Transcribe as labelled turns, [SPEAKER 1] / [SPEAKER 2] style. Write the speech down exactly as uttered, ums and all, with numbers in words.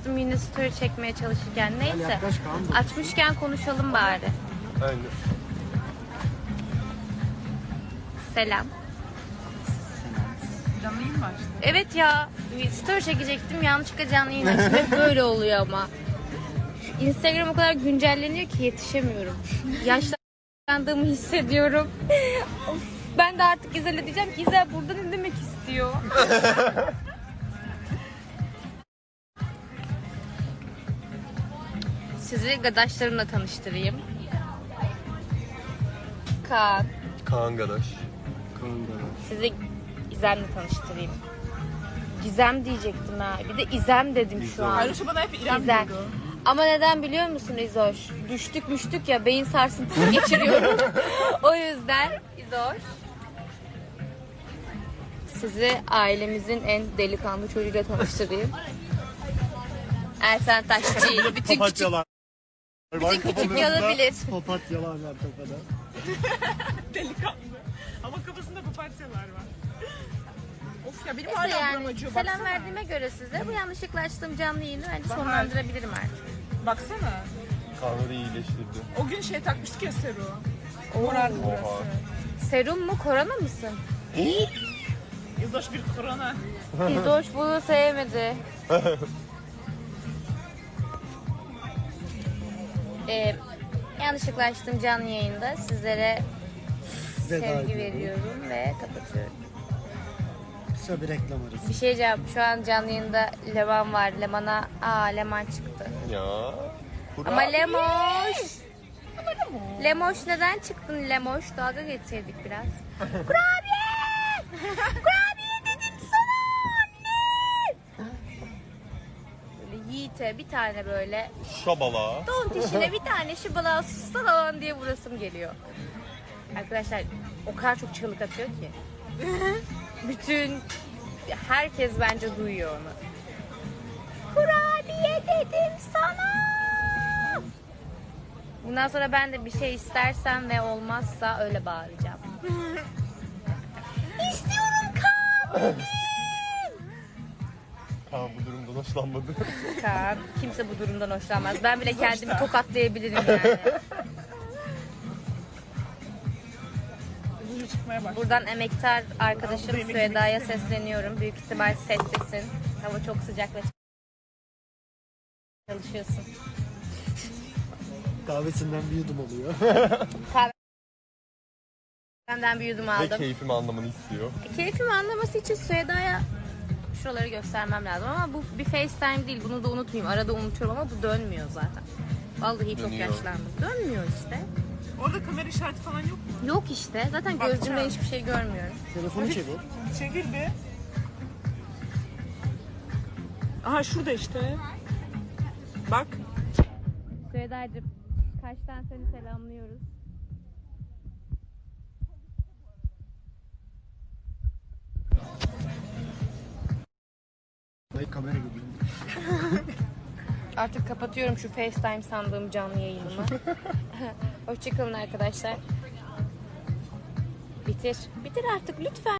[SPEAKER 1] açtım yine story çekmeye çalışırken. Neyse. Açmışken konuşalım bari.
[SPEAKER 2] Aynen.
[SPEAKER 1] Selam.
[SPEAKER 3] Canlı yayın mı açtın?
[SPEAKER 1] Evet ya. Story çekecektim. Yanlışlıkla canlı yayın açtım. Hep böyle oluyor ama. Instagram o kadar güncelleniyor ki yetişemiyorum. Yaşlandığımı hissediyorum. Of, ben de artık İzel'e diyeceğim ki İzel burada ne demek istiyor? Sizi gadaşlarımla tanıştırayım. Kaan.
[SPEAKER 2] Kaan Gadaş.
[SPEAKER 1] Sizi İzem'le tanıştırayım. Gizem diyecektim ha. Bir de İzem dedim şu an.
[SPEAKER 3] Ayrıca bana hep İrem
[SPEAKER 1] İzem.
[SPEAKER 3] diyordu.
[SPEAKER 1] Ama neden biliyor musun İzoş? Düştük müştük ya, beyin sarsıntısı geçiriyorum. O yüzden İzoş. Sizi ailemizin en delikanlı çocuğuyla tanıştırayım. Ersen Taşçı. Bütün küçük,
[SPEAKER 4] Papatyalar.
[SPEAKER 1] bütün küçük yanabilir.
[SPEAKER 4] Papatyalar var kafada.
[SPEAKER 3] Delikanlı. Ama kafasında papatyalar var. Of ya benim
[SPEAKER 1] Neyse
[SPEAKER 3] hala
[SPEAKER 1] yani,
[SPEAKER 3] buram acıyor.
[SPEAKER 1] selam
[SPEAKER 3] Baksana.
[SPEAKER 1] verdiğime göre size bu yanlışlıkla açtığım canlı yayını bence
[SPEAKER 3] Bahar.
[SPEAKER 1] sonlandırabilirim artık.
[SPEAKER 3] Baksana.
[SPEAKER 2] Kaan'ı da iyileştirdi.
[SPEAKER 3] O gün şey takmıştık ya Seru. Morardı burası.
[SPEAKER 2] Oha.
[SPEAKER 1] Serum mu, korona mısın?
[SPEAKER 3] Yüzdoş bir korona.
[SPEAKER 1] İzoş bunu sevmedi. Ee, yanlışlıkla açtığım canlı yayında sizlere
[SPEAKER 4] Veda
[SPEAKER 1] sevgi
[SPEAKER 4] ediyorum.
[SPEAKER 1] veriyorum ve kapatıyorum.
[SPEAKER 4] Kısa bir reklam arası.
[SPEAKER 1] Bir şey diyeceğim. Şu an canlı yayında Leman var. Leman'a aa Leman çıktı.
[SPEAKER 2] Ya.
[SPEAKER 1] Ama Lemoş. Lemoş neden çıktın Lemoş? Dalga geçirdik biraz. Kurabiye! Kurabiye dedim sana anne! Böyle Yiğit'e bir tane böyle
[SPEAKER 2] Şabala.
[SPEAKER 1] don dişine bir tane şıbala sustan alan diye vurasım geliyor. Arkadaşlar o kadar çok çığlık atıyor ki. Bütün herkes bence duyuyor onu. Kurabiye dedim sana. Bundan sonra ben de bir şey istersem ve olmazsa öyle bağıracağım. İstiyorum Kaan.
[SPEAKER 2] Kaan bu durumdan hoşlanmadı.
[SPEAKER 1] Kaan. Kimse bu durumdan hoşlanmaz. Ben bile kendimi tokatlayabilirim yani.
[SPEAKER 3] Hızlı çıkmaya başladı.
[SPEAKER 1] Buradan emektar arkadaşım
[SPEAKER 3] Burada yemek
[SPEAKER 1] Süheyda'ya
[SPEAKER 3] yemek
[SPEAKER 1] sesleniyorum. Büyük ihtimal settesin. Hava çok sıcak ve çalışıyorsun.
[SPEAKER 4] Kahvesinden bir yudum oluyor.
[SPEAKER 1] Benden bir yudum
[SPEAKER 2] Ve
[SPEAKER 1] aldım.
[SPEAKER 2] keyfimi anlamanı istiyor.
[SPEAKER 1] Keyfimi anlaması için Süheyda'ya şuraları göstermem lazım ama bu bir FaceTime değil. Bunu da unutmayayım. Arada unutuyorum ama bu dönmüyor zaten. Vallahi çok
[SPEAKER 2] Dönüyor.
[SPEAKER 1] yaşlandım. Dönmüyor işte.
[SPEAKER 3] Orada kamera işareti falan yok mu?
[SPEAKER 1] Yok işte. Zaten
[SPEAKER 3] Bakacağım.
[SPEAKER 1] gözümle hiçbir şey görmüyorum.
[SPEAKER 4] Telefonu çevir.
[SPEAKER 3] Çekil bir. Aha şurada işte. Bak.
[SPEAKER 1] Süheyda'cığım kaçtan seni selamlıyoruz.
[SPEAKER 4] Ay kamera gibi.
[SPEAKER 1] Artık kapatıyorum şu FaceTime sandığım canlı yayınımı. Hoşçakalın arkadaşlar. Bitir. Bitir artık lütfen.